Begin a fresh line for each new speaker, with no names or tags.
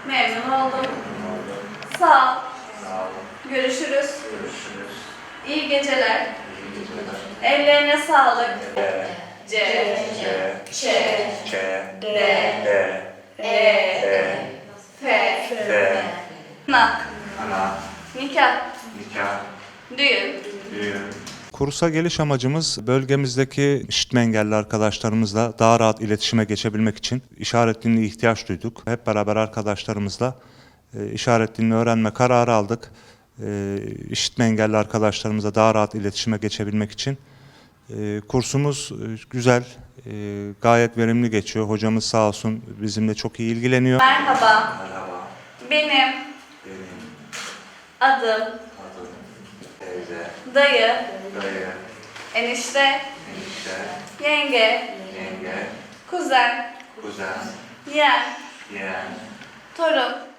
Memnun oldum.
Memnun oldum.
Sağ ol.
Sağ olun.
Görüşürüz.
Görüşürüz.
İyi geceler.
İyi geceler.
Ellerine sağlık.
E,
C,
C,
Ç,
Ç,
D,
D,
E,
E,
F,
F,
Nak,
Ana,
nikah,
Nikah,
düğün.
Düğün.
Kursa geliş amacımız bölgemizdeki işitme engelli arkadaşlarımızla daha rahat iletişime geçebilmek için işaret diline ihtiyaç duyduk. Hep beraber arkadaşlarımızla işaret dilini öğrenme kararı aldık. İşitme engelli arkadaşlarımızla daha rahat iletişime geçebilmek için. Kursumuz güzel, gayet verimli geçiyor. Hocamız sağ olsun bizimle çok iyi ilgileniyor.
Merhaba,
Merhaba.
benim
Benim
adım
adım teyze,
dayı,
dayı,
enişte,
enişte,
yenge,
yenge,
kuzen,
kuzen,
yeğen,
yeğen,
torun,